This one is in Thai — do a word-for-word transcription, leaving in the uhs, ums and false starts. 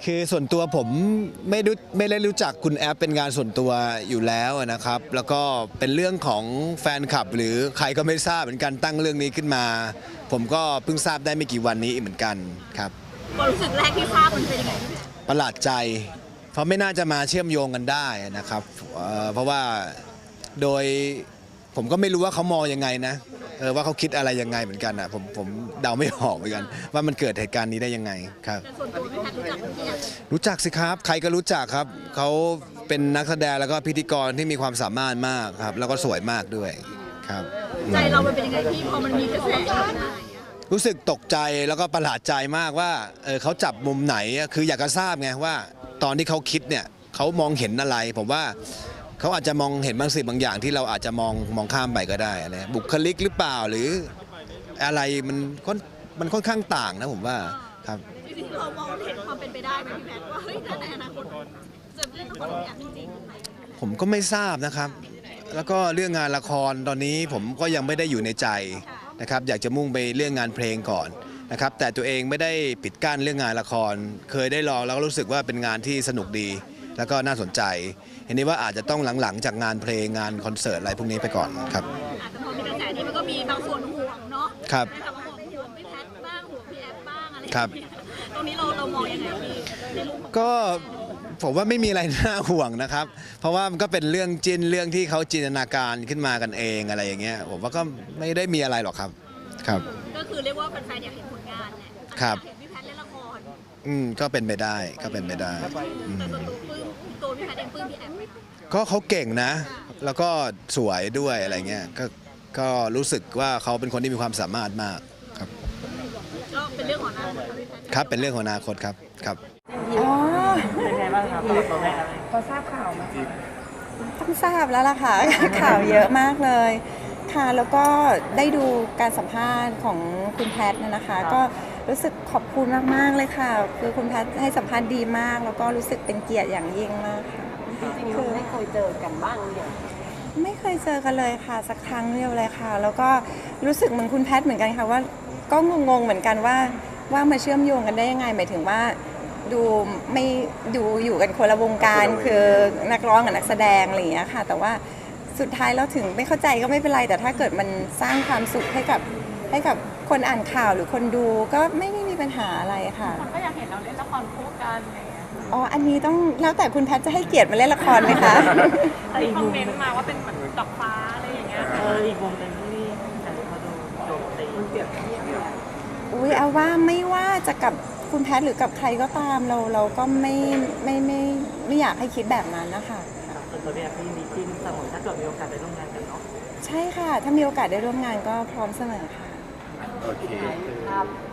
คือส่วนตัวผมไม่รู้ไม่ได้รู้จักคุณแอฟเป็นงานส่วนตัวอยู่แล้วนะครับ แล้วก็เป็นเรื่องของแฟนคลับหรือใครก็ไม่ทราบเหมือนกันตั้งเรื่องนี้ขึ้นมา ผมก็เพิ่งทราบได้ไม่กี่วันนี้เหมือนกันครับความรู้สึกแรกที่ทราบมันเป็นยังไงประหลาดใจ เพราะไม่น่าจะมาเชื่อมโยงกันได้นะครับเเพราะว่าโดยผมก็ไม่รู้ว่าเขามองยังไงนะเออว่าเขาคิดอะไรยังไงเหมือนกันอ่ะผมผมเดาไม่ออกเหมือนกันว่ามันเกิดเหตุการณ์นี้ได้ยังไงครับส่วนตัวพี่แพทรู้จักพี่แอฟรู้จักสิครับใครก็รู้จักครับเขาเป็นนักแสดงแล้วก็พิธีกรที่มีความสามารถมากครับแล้วก็สวยมากด้วยครับใจเรามันเป็นยังไงพี่พอมันมีกระแสรู้สึกตกใจแล้วก็ประหลาดใจมากว่าเออเขาจับมุมไหนคืออยากจะทราบไงว่าตอนที่เขาคิดเนี่ยเขามองเห็นอะไรผมว่าเขาอาจจะมองเห็นบางสิ่งบางอย่างที่เราอาจจะมองมองข้ามไปก็ได้อะไรบุคลิกหรือเปล่าหรืออะไรมันค่อนมันค่อนข้างต่างนะผมว่าครับจริงๆเรามองเห็นความเป็นไปได้ไหมพี่แพทว่าเฮ้ยในอนาคตจะเล่นละครอย่างจริงๆผมก็ไม่ทราบนะครับแล้วก็เรื่องงานละครตอนนี้ผมก็ยังไม่ได้อยู่ในใจนะครับอยากจะมุ่งไปเรื่องงานเพลงก่อนนะครับแต่ตัวเองไม่ได้ปิดกั้นเรื่องงานละครเคยได้ลองแล้วก็รู้สึกว่าเป็นงานที่สนุกดีแล้วก็น่าสนใจเห็นนี้ว่าอาจจะต้องหลังๆจากงานเพลงงานคอนเสิร์ตอะไรพวกนี้ไปก่อนครับอาจจะพอมีกระแสนี้มันก็มีบางส่วนห่วงเนาะครับแต่ว่าห่วงห่วงพี่แพทบ้างห่วงพี่แอฟบ้างอะไรครับตรงนี้เราเรามองยังไงพี่ก็ผมว่าไม่มีอะไรน่าห่วงนะครับเพราะว่ามันก็เป็นเรื่องจินเรื่องที่เขาจินตนาการขึ้นมากันเองอะไรอย่างเงี้ยผมว่าก็ไม่ได้มีอะไรหรอกครับครับก็คือเรียกว่าแฟนๆอยากเห็นผลงานแหละครับเห็นพี่แพทเล่นละครอืมก็เป็นไปได้ก็เป็นไปได้แต่ส่วนตัวปลื้มตัวพี่แพทเองปลื้มพี่แอฟไหมก็เขาเก่งนะแล้วก็สวยด้วยอะไรเงี้ยก็ก็รู้สึกว่าเขาเป็นคนที่มีความสามารถมากครับก็เป็นเรื่องของอนาคตครับเป็นเรื่องของอนาคตครับครับอ๋อเป็นไงบ้างครับตัวแม่พอทราบข่าวไหมต้องทราบแล้วล่ะค่ะ ข่าวเยอะมากเลยค่ะแล้วก็ได้ดูการสัมภาษณ์ของคุณแพทย์นะคะก็รู้สึกขอบคุณมากๆเลยค่ะคือคุณแพทย์ให้สัมภาษณ์ดีมากแล้วก็รู้สึกเป็นเกียรติอย่างยิ่งมากค่ะคือไม่เคยเจอกันบ้างเนี่ยไม่เคยเจอกันเลยค่ะสักครั้งเดียวเลยค่ะแล้วก็รู้สึกเหมือนคุณแพทย์เหมือนกันค่ะว่าก็งงๆเหมือนกันว่าว่ามาเชื่อมโยงกันได้ยังไงหมายถึงว่าดูไม่ดูอยู่กันคนละวงการคือนักร้องกับนักแสดงอะไรอย่างเงี้ยค่ะแต่ว่าสุดท้ายเราถึงไม่เข้าใจก็ไม่เป็นไรแต่ถ้าเกิดมันสร้างความสุขให้กับให้กับคนอ่านข่าวหรือคนดูก็ไม่ไม่มีปัญหาอะไรค่ะคนก็อยากเห็นเราเล่นละครคู่กันอะไรอย่างเงี้ยอ๋ออันนี้ต้องแล้วแต่คุณแพทย์จะให้เกียรติมาเล่นละครไหมคะแต่คอมเมนต์มาว่าเป็นเหมือนดอกฟ้าอะไรอย่างเงี้ยเอออีกวงเป็นที่แต่เขาดูโดดตีมันเปียกเทียบอุ้ยเอาว่าไม่ว่าจะกับคุณแพทย์หรือกับใครก็ตามเราเราก็ไม่ไม่ไม่ไม่อยากให้คิดแบบนั้นนะคะส่วนตัวพี่แอฟพี่มีจิ้นเสมอถ้าเกิดมีโอกาสได้ร่วมงานกันเนาะใช่ค่ะถ้ามีโอกาสได้ร่วมงานก็พร้อมเสมอค่ะโอเคครับ